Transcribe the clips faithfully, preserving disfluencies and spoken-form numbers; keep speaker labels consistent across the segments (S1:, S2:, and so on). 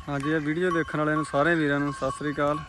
S1: हाँ जी, वीडियो देखने वाले सारे वीरां नूं सत श्री अकाल।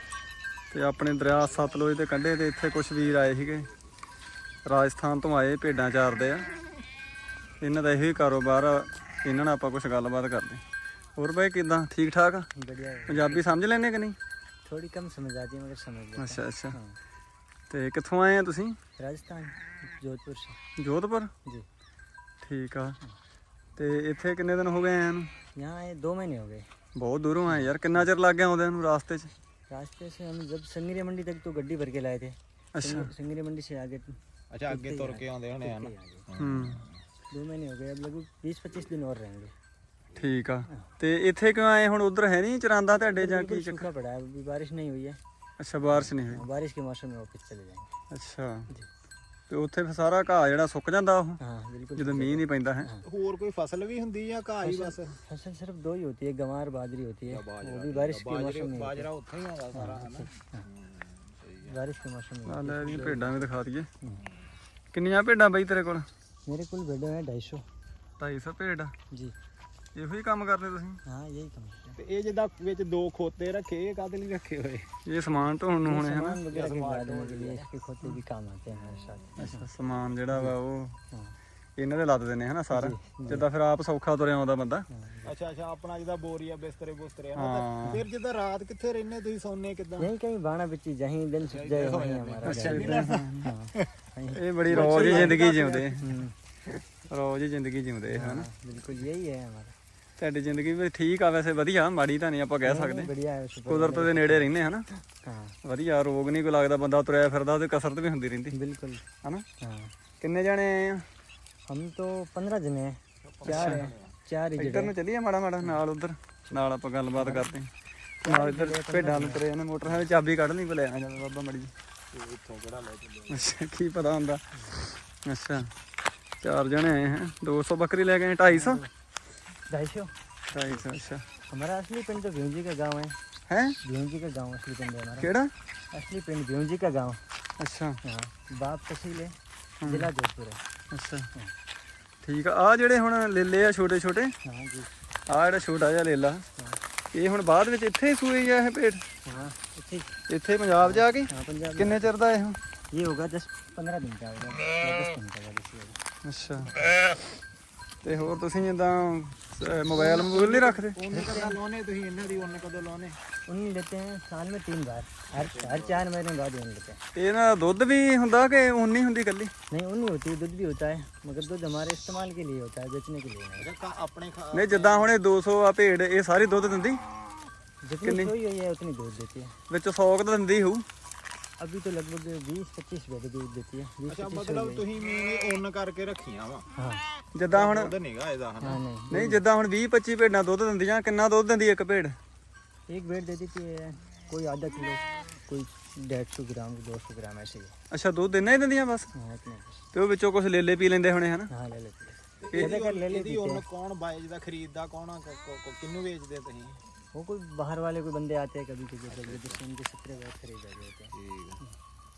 S1: ते अपने दरिया सतलुज के कंढे ते इत्थे कुछ वीर आए सीगे, राजस्थान तो आए, भेडां चारदे आ। इन्हां दा इहो ही कारोबार आ, इन्हां नाल आपां कुछ गलबात करदे। होर भाई किदां, ठीक ठाक?
S2: बढ़िया।
S1: पंजाबी समझ लैंदे कि नहीं?
S2: थोड़ी कम समझ आती है मगर समझ लेते हैं।
S1: अच्छा अच्छा।
S2: हाँ।
S1: ते कित्थों आए हैं तुसीं?
S2: राजस्थान, जोधपुर से।
S1: जोधपुर
S2: जी।
S1: ठीक आ। ते इत्थे किन्ने दिन हो गए आए नूं?
S2: यहाँ आए दो महीने हो गए।
S1: बहुत दूरों आए यार, कितना चिर लग गया आउंदे नूं रास्ते च?
S2: रास्ते से हम जब संगरी मंडी तक तो गड्डी भर के लाए थे।
S1: अच्छा।
S2: संगरी मंडी से आगे
S3: अच्छा आगे तुर के आउंदे होने हैं ना।
S1: हम्म
S2: दो महीने हो गए, अब लगभग बीस पच्चीस दिन और रहेंगे।
S1: ठीक आ। ते इत्थे क्यों आए हुण? उधर है नहीं चरांदा तुहाडे जां की
S2: सूखा पड़ा है, अभी बारिश नहीं हुई है।
S1: अच्छा, बारिश नहीं हुई।
S2: हाँ, बारिश के मौसम में वापस चले जाएंगे।
S1: अच्छा, ਤੇ ਉੱਥੇ ਫਿਰ ਸਾਰਾ ਘਾਹ ਜਿਹੜਾ ਸੁੱਕ ਜਾਂਦਾ ਉਹ
S2: हाँ बिल्कुल।
S1: ਜਦੋਂ ਮੀਂਹ ਨਹੀਂ ਪੈਂਦਾ ਹੈ।
S3: ਹੋਰ ਕੋਈ ਫਸਲ भी ਹੁੰਦੀ ਜਾਂ ਘਾਹ ਹੀ ਬਸ?
S2: फसल सिर्फ दो ही होती है, गंवार बाजरी होती है, वो भी बारिश के मौसम में।
S3: ਬਾਜਰਾ ਉੱਥੇ ਹੀ ਆਉਂਦਾ ਸਾਰਾ ਹੈ ਨਾ।
S2: बारिश के मौसम में।
S1: ਆ ਲੈ ਇਹਦੀਆਂ ਭੇਡਾਂ ਵੀ ਦਿਖਾ ਦਈਏ। ਕਿੰਨੀਆਂ ਭੇਡਾਂ ਬਈ ਤੇਰੇ ਕੋਲ?
S2: मेरे कुल भेड़े हैं ढाई सौ।
S1: ਢਾਈ ਸੌ ਭੇਡ।
S2: जी
S1: ਇਹੋ ਹੀ ਕੰਮ ਕਰਦੇ ਤੁਸੀਂ?
S2: हाँ यही कम है।
S3: ਤੇ ਇਹ ਜਿਹਦਾ ਵਿੱਚ ਦੋ ਖੋਤੇ ਰੱਖੇ ਇਹ ਕਾਹਦੇ ਲਈ ਰੱਖੇ ਹੋਏ?
S1: ਇਹ ਸਮਾਨ ਢੋਣ ਨੂੰ ਹੋਣੇ ਹਨਾ?
S2: सामान वगैरह के बाद में के लिए इसके खोते भी काम आते हैं हमारे साथ।
S1: ਅੱਛਾ, ਸਮਾਨ ਜਿਹੜਾ ਵਾ ਉਹ
S2: हाँ
S1: ਇਹਨਾਂ ਦੇ ਲੱਦ ਦਿੰਦੇ ਹਨਾ ਸਾਰਾ, ਜਿੱਦਾਂ ਫਿਰ ਆਪ ਸੌਖਾ ਤੁਰਿਆ ਆਉਂਦਾ ਬੰਦਾ।
S3: ਅੱਛਾ ਅੱਛਾ, ਆਪਣਾ ਜਿਹਦਾ ਬੋਰੀਆ ਬਿਸਤਰੇ ਬੁਸਤਰੇ
S1: ਹਾਂ।
S3: ਹਨ। ਫਿਰ ਜਿੱਦਾਂ ਰਾਤ ਕਿੱਥੇ ਰਹਿੰਦੇ ਤੁਸੀਂ, ਸੌਂਦੇ ਕਿੱਦਾਂ?
S2: यहीं कहीं बाणा बिच्ची जहीं दिन सुख जाए वहीं हमारा
S1: ਅੱਛਾ,
S2: घर।
S1: ਏਦਾਂ।
S2: हाँ वहीं।
S1: ਇਹ ਬੜੀ ਰੋਜ਼ ਹੀ ਜ਼ਿੰਦਗੀ ਜਿਉਂਦੇ,
S2: हम्म,
S1: ਰੋਜ਼ ਹੀ ਜ਼ਿੰਦਗੀ ਜਿਉਂਦੇ ਹਨਾ।
S2: हाँ, बिल्कुल यही है हमारा।
S1: ਤੁਹਾਡੀ ਜ਼ਿੰਦਗੀ ਵੀ ਠੀਕ ਆ ਵੈਸੇ, ਵਧੀਆ, ਮਾੜੀ ਤਾਂ ਨਹੀਂ ਆਪਾਂ ਕਹਿ ਸਕਦੇ।
S2: बढ़िया है शुक्र।
S1: ਕੁਦਰਤ ਦੇ ਨੇੜੇ ਰਹਿੰਦੇ ਹਨਾ,
S2: हाँ
S1: ਵਧੀਆ, ਰੋਗ ਨਹੀਂ ਕੋਈ ਲੱਗਦਾ, ਬੰਦਾ ਤੁਰਿਆ ਫਿਰਦਾ ਤੇ ਕਸਰਤ ਵੀ ਹੁੰਦੀ ਰਹਿੰਦੀ
S2: बिल्कुल।
S1: ਹਨਾ।
S2: हाँ
S1: ਕਿੰਨੇ ਜਾਣੇ ਆਏ ਆ?
S2: हम तो पंद्रह जने हैं, चार हैं, चार ही
S1: ਇੱਧਰ ਨੂੰ ਚੱਲੀਏ ਮਾੜਾ ਮਾੜਾ, ਨਾਲ ਉਧਰ ਨਾਲ ਆਪਾਂ ਗੱਲਬਾਤ ਕਰਦੇ ਹਾਂ। ਨਾਲ ਇੱਧਰ ਭੇਡਾਂ ਨੂੰ ਤੁਰੇ ਨੇ, ਮੋਟਰਸਾਈਕਲ ਚਾਬੀ ਕੱਢ ਲਈ ਭਲੇ ਆ ਜਾਂਦਾ ਬਾਬਾ ਮੜੀ ਜੀ।
S3: ਇੱਥੋਂ ਕਿਹੜਾ ਲੈ ਚੱਲੇ?
S1: ਅੱਛਾ, ਕੀ ਪਤਾ ਹੁੰਦਾ। ਅੱਛਾ, ਚਾਰ ਜਣੇ ਆਏ हैं, दो सौ बकरी ले गए, ढाई सौ
S2: ढाई सौ।
S1: ढाई सौ अच्छा
S2: हमारा असली पिंड तो भ्यूंजी का गांव है।
S1: है
S2: भ्यूंजी का गांव असली पिंड है हमारा।
S1: केड़ा?
S2: असली पिंड भ्यूंजी का गांव।
S1: अच्छा
S2: हाँ, बाप तहसील है, जिला जोधपुर है।
S1: अच्छा ठीक है। आ ਜਿਹੜੇ ਹੁਣ ਲੇਲੇ ਆ ਛੋਟੇ ਛੋਟੇ,
S2: हाँ जी।
S1: ਆ ਜਿਹੜਾ ਛੋਟਾ ਜਿਹਾ ਲੇਲਾ, ਇਹ ਹੁਣ ਬਾਅਦ ਵਿੱਚ ਇੱਥੇ ਹੀ ਸੂਈ ਆ ਇਹ ਭੇਡ?
S2: हाँ इतनी।
S1: ਇੱਥੇ ਪੰਜਾਬ ਜਾ ਕੇ?
S2: हाँ पंजाब।
S1: ਕਿੰਨੇ ਚਿਰ ਦਾ ਇਹ?
S2: ये होगा दस पंद्रह दिन का होगा, या दस दिन का होगा।
S1: ਅੱਛਾ, ਤੇ ਹੋਰ ਤੁਸੀਂ ਜਿੱਦਾਂ ਮੋਬਾਈਲ ਮੋਬਾਈਲ ਨਹੀਂ ਰੱਖਦੇ?
S3: ਉਹਨੇ ਕਦੋਂ ਲਾਉਣੇ ਤੁਸੀਂ ਇਹਨਾਂ ਦੀ, ਉਹਨੇ ਕਦੋਂ ਲਾਉਣੇ?
S2: उन्हीं लेते हैं साल में तीन बार, हर हर चार महीने बाद उन लेते हैं।
S1: ਇਹਨਾਂ ਦਾ ਦੁੱਧ ਵੀ ਹੁੰਦਾ ਕਿ ਉਨੀ ਹੁੰਦੀ ਇਕੱਲੀ?
S2: नहीं उन्हीं होती है, दूध भी होता है, मगर दूध हमारे इस्तेमाल के लिए होता है, बेचने के लिए नहीं।
S3: ਅੱਛਾ, ਆਪਣੇ ਖਾ-
S1: ਨਹੀਂ, ਜਿੱਦਾਂ ਹੁਣ ਇਹ दो सौ ਆ ਭੇਡ, ਇਹ ਸਾਰੀ ਦੁੱਧ ਦਿੰਦੀ?
S2: जितनी सोई हुई है उतनी दूध देती है।
S1: ਵਿੱਚ सौ ਕੁ ਤਾਂ ਦਿੰਦੀ ਹੋਊ।
S2: अभी तो लगभग बीस पच्चीस बैठे दूध देती है। बीस
S3: ਅੱਛਾ,
S2: पच्चीस
S3: ਮਤਲਬ ਤੁਸੀਂ ਮੇਨ ਉੱਨ ਕਰਕੇ ਰੱਖੀਆਂ ਵਾ?
S2: हाँ
S1: ਜਿੱਦਾਂ ਹੁਣ
S3: ਦੁੱਧ ਨਹੀਂਗਾ ਇਹਦਾ ਹਨਾ?
S2: हाँ नहीं।
S1: ਨਹੀਂ, ਜਿੱਦਾਂ ਹੁਣ ਵੀਹ ਪੱਚੀ ਭੇਡਾਂ ਦੁੱਧ ਦਿੰਦੀਆਂ, ਕਿੰਨਾ ਦੁੱਧ ਦਿੰਦੀ ਇੱਕ ਭੇਡ?
S2: एक बेड दे देती है कोई आधा किलो, कोई डेढ़ सौ ग्राम, दो सौ ग्राम ऐसे ही।
S1: ਅੱਛਾ, ਦੁੱਧ ਇੰਨਾ ਹੀ ਦਿੰਦੀਆਂ ਬਸ?
S2: हाँ इतने बस।
S1: ਤੇ ਉਹ ਵਿੱਚੋਂ ਕੁਝ ਲੇਲੇ ਪੀ ਲੈਂਦੇ ਹੋਣੇ ਹਨਾ?
S2: हाँ ले लेते हैं।
S3: ਇਹਦੀ
S2: कर ले
S3: ਇਹਦੀ
S2: लेते
S3: ਉੱਨ
S2: हैं।
S3: ਕੌਣ ਬਾਇਜਦਾ, ਖਰੀਦਦਾ ਕੌਣ ਆ? ਕ- ਕ- ਕ- ਕਿਹਨੂੰ ਵੇਚਦੇ ਤੁਸੀਂ?
S2: वो कोई बाहर वाले कोई बंदे आते हैं कभी कभी, तो जिससे उनके सत्रह बैग खरीद जाते हैं।
S3: ਠੀਕ ਆ।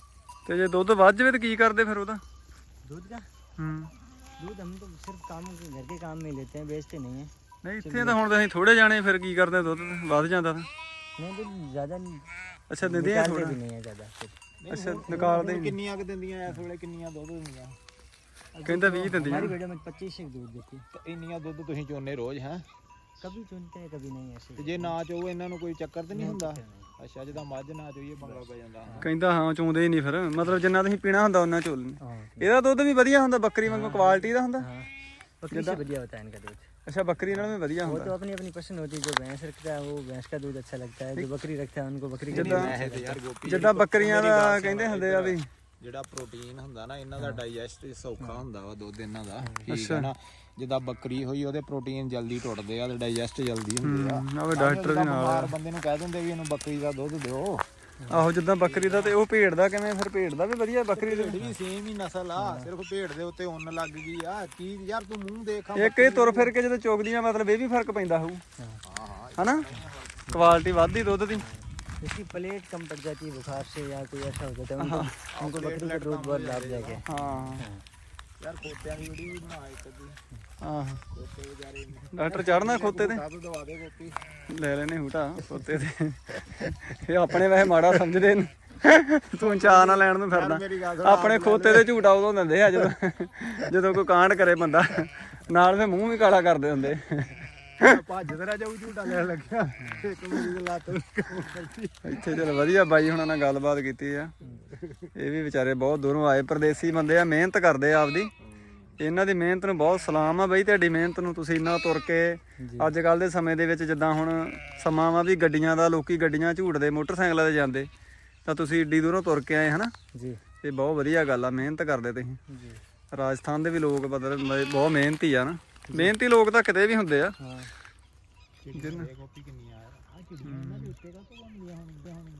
S1: ਤੇ ਜੇ ਦੁੱਧ ਵੱਧ ਜਾਵੇ ਤਾਂ ਕੀ ਕਰਦੇ ਫਿਰ ਉਹਦਾ?
S2: दूध का
S1: ਹੂੰ,
S2: दूध हम तो सिर्फ काम के घर के काम में लेते हैं, बेचते नहीं है।
S1: ਨਹੀਂ ਇੱਥੇ ਤਾਂ ਹੁਣ ਅਸੀਂ ਥੋੜੇ ਜਾਣੇ, ਫਿਰ ਕੀ ਕਰਦੇ? ਦੁੱਧ ਵੱਧ ਜਾਂਦਾ ਤਾਂ?
S2: नहीं दूध ज़्यादा
S1: ਅੱਛਾ, ਦਿੰਦੀਆਂ
S2: निकालते
S1: ਥੋੜਾ?
S2: भी नहीं है ज़्यादा फिर।
S3: ਨਹੀਂ,
S1: ਅੱਛਾ,
S3: ਹੁਣ-
S1: ਨਿਕਾਲਦੇ
S3: ਹੁਣ
S1: ਨਹੀਂ।
S3: ਕਿੰਨੀਆਂ ਕੁ ਦਿੰਦੀਆਂ ਇਸ ਵੇਲੇ, ਕਿੰਨੀਆਂ ਦੁੱਧ ਦਿੰਦੀਆਂ?
S1: ਕਹਿੰਦਾ ਵੀਹ ਦਿੰਦੀਆਂ।
S2: हमारी बेड़ों में पच्चीस एक दूध देती है।
S3: ਤੇ ਇੰਨੀਆਂ ਦੁੱਧ ਤੁਸੀਂ ਚੋਨੇ ਰੋਜ਼ ਹੈ?
S2: कभी चुनते हैं कभी नहीं ऐसे।
S3: ਤੇ ਜੇ ਨਾ ਚੋਵੋ ਇਹਨਾਂ ਨੂੰ ਕੋਈ ਚੱਕਰ ਤੇ ਨਹੀਂ ਹੁੰਦਾ?
S2: फिर नहीं।
S3: ਅੱਛਾ, ਜਿਹਦਾ ਮੱਝ ਨਾ ਚੋਈਏ ਪੰਗਾ ਪੈ ਜਾਂਦਾ ਹਾਂ।
S1: ਕਹਿੰਦਾ ਹਾਂ, ਚੋਂਦੇ ਹੀ ਨਹੀਂ ਫਿਰ, ਮਤਲਬ ਜਿੰਨਾ ਤੁਸੀਂ ਪੀਣਾ ਹੁੰਦਾ ਉਹਨਾਂ ਚੋਲ ਲੈਂਦੇ।
S2: हाँ
S1: ਇਹਦਾ ਦੁੱਧ ਵੀ ਵਧੀਆ ਹੁੰਦਾ, ਬੱਕਰੀ ਵਾਂਗੂ ਕੁਆਲਿਟੀ ਦਾ ਹੁੰਦਾ?
S2: हाँ, बकरी से बढ़िया होता है इनका दूध।
S1: ਅੱਛਾ, ਬੱਕਰੀ ਨਾਲ ਵੀ ਵਧੀਆ
S2: वो
S1: ਹੁੰਦਾ।
S2: तो अपनी अपनी पसंद होती है, जो भैंस रखता है वो भैंस का दूध अच्छा लगता है, जो बकरी रखता है उनको बकरी का दूध अच्छा
S3: ਵੈਸੇ ਤੇ
S2: लगता
S3: ਯਾਰ ਗੋਪੀ,
S1: ਜਿੱਦਾਂ ਬੱਕਰੀਆਂ ਦਾ ਕਹਿੰਦੇ ਹੁੰਦੇ ਆ ਵੀ
S3: ਜਿਹੜਾ ਪ੍ਰੋਟੀਨ ਹੁੰਦਾ ਨਾ ਇਹਨਾਂ ਦਾ, ਡਾਈਜੈਸਟ ਸੌਖਾ ਹੁੰਦਾ ਵਾ ਦੁੱਧ ਇਹਨਾਂ ਦਾ, ਠੀਕ ਹੈ ਨਾ? ਜਿੱਦਾਂ ਬੱਕਰੀ ਹੋਈ ਉਹਦੇ ਪ੍ਰੋਟੀਨ ਜਲਦੀ ਟੁੱਟਦੇ ਆ ਤੇ ਡਾਈਜੈਸਟ ਜਲਦੀ ਹੁੰਦੇ ਆ।
S1: ਆਵੇ ਡਾਕਟਰ ਵੀ ਨਾਲ
S3: ਬਿਮਾਰ ਬੰਦੇ ਨੂੰ ਕਹਿ ਦਿੰਦੇ ਵੀ ਇਹਨੂੰ ਬੱਕਰੀ ਦਾ ਦੁੱਧ ਦਿਓ।
S1: ਆਹੋ, ਜਿੱਦਾਂ ਬੱਕਰੀ ਦਾ, ਤੇ ਉਹ ਭੇਡ ਦਾ ਕਿਵੇਂ? ਫਿਰ ਭੇਡ ਦਾ ਵੀ ਵਧੀਆ, ਬੱਕਰੀ
S3: ਭੇਡ
S1: ਦਾ
S3: ਵੀ ਸੇਮ ਹੀ ਨਸਲ ਆ, ਸਿਰਫ ਭੇਡ ਦੇ ਉੱਤੇ ਉੱਨ ਲੱਗ ਗਈ ਆ। ਕੀ ਯਾਰ ਤੂੰ ਮੂੰਹ ਦੇਖ ਆ।
S1: ਇੱਕ ਇਹ ਤੁਰ ਫਿਰ ਕੇ ਜਦੋਂ ਚੁਗਦੀਆਂ, ਮਤਲਬ ਇਹ ਵੀ ਫਰਕ ਪੈਂਦਾ ਹੋਊ
S2: है।
S3: ਹਾਂ ਹਾਂ,
S1: ਹਨਾ? ਕੁਆਲਿਟੀ ਵੱਧਦੀ ਦੁੱਧ ਦੀ।
S2: इसकी प्लेट कम पड़ जाती है बुखार से, या कोई ऐसा हो जाता है उनको, उनको बकरी का दूध बहुत लाभदायक है।
S1: ਹਾਂ,
S3: ਯਾਰ ਖੋਤਿਆਂ ਦੀ ਵੀਡੀਓ ਵੀ ਬਣਾ ਇੱਕ ਅੱਧੀ
S1: ਆਹ
S3: ਖੋਤੇ ਵਿਚਾਰੇ
S1: ਡਾਕਟਰ ਚੜਨਾ ਖੋਤੇ ਤੇ
S3: ਸਭ ਦਵਾ ਦੇ ਕੋਪੀ
S1: ਲੈ ਲੈਨੇ ਹੂਟਾ ਖੋਤੇ ਤੇ ਇਹ ਆਪਣੇ ਵੈਸੇ ਮਾੜਾ ਸਮਝਦੇ ਨੇ ਤੂੰ ਚਾਹ ਨਾ ਲੈਣ ਨੂੰ ਫਿਰਦਾ
S3: ਮੇਰੀ ਗੱਲ ਸੁਣ,
S1: ਆਪਣੇ ਖੋਤੇ ਦੇ ਝੂਟਾ ਉਦੋਂ ਦਿੰਦੇ ਆ ਜਦੋਂ ਜਦੋਂ ਕੋਈ ਕਾਂਡ ਕਰੇ ਬੰਦਾ ਨਾਲ ਫੇ ਮੂੰਹ ਵੀ ਕਾਲਾ ਕਰਦੇ ਹੁੰਦੇ
S3: ਭੱਜ ਤੇਰਾ ਜਾਊ ਝੂਟਾ ਲੈਣ ਲੱਗਿਆ ਇੱਕ ਮੇਰੀ ਦੀ ਲੱਤ
S1: ਇੱਥੇ ਚਲ ਵਧੀਆ ਬਾਈ ਹੁਣਾਂ ਨਾਲ ਗੱਲਬਾਤ ਕੀਤੀ ਆ ਇਹ ਵੀ ਵਿਚਾਰੇ ਬਹੁਤ ਦੂਰੋਂ ਆਏ ਪਰਦੇਸੀ ਬੰਦੇ ਆ ਮਿਹਨਤ ਕਰਦੇ ਆ ਆਪਦੀ ਇਹਨਾਂ ਦੀ ਮਿਹਨਤ ਨੂੰ ਬਹੁਤ ਸਲਾਮ ਆ ਬਈ ਤੁਹਾਡੀ ਮਿਹਨਤ ਨੂੰ ਤੁਸੀਂ ਇੰਨਾ ਤੁਰ ਕੇ ਅੱਜ ਕੱਲ ਦੇ ਸਮੇਂ ਦੇ ਵਿੱਚ ਜਿੱਦਾਂ ਹੁਣ ਸਮਾਂ ਵਾ ਵੀ ਗੱਡੀਆਂ ਦਾ ਲੋਕੀ ਗੱਡੀਆਂ ਝੂਟਦੇ ਮੋਟਰਸਾਈਕਲਾਂ ਤੇ ਜਾਂਦੇ ਤਾਂ ਤੁਸੀਂ ਏਡੀ ਦੂਰੋਂ ਤੁਰ ਕੇ ਆਏ ਹਨਾ
S2: ਜੀ
S1: ਇਹ ਬਹੁਤ ਵਧੀਆ ਗੱਲ ਆ ਮਿਹਨਤ ਕਰਦੇ ਤੁਸੀਂ
S2: ਜੀ
S1: ਰਾਜਸਥਾਨ ਦੇ ਵੀ ਲੋਕ ਮਤਲਬ ਬਹੁਤ ਮਿਹਨਤੀ ਆ ਨਾ ਮਿਹਨਤੀ ਲੋਕ ਤਾਂ ਕਿਤੇ ਵੀ ਹੁੰਦੇ ਆ
S2: ਹਾਂ
S3: ਕੋਪੀ ਕਿੰਨੀ ਆ ਆ ਚਿੜੀਆਂ ਇਹਨਾਂ ਦੇ ਉੱਤੇ ਕਾ ਤੋਂ ਬਣਦੀਆਂ ਹੁਣ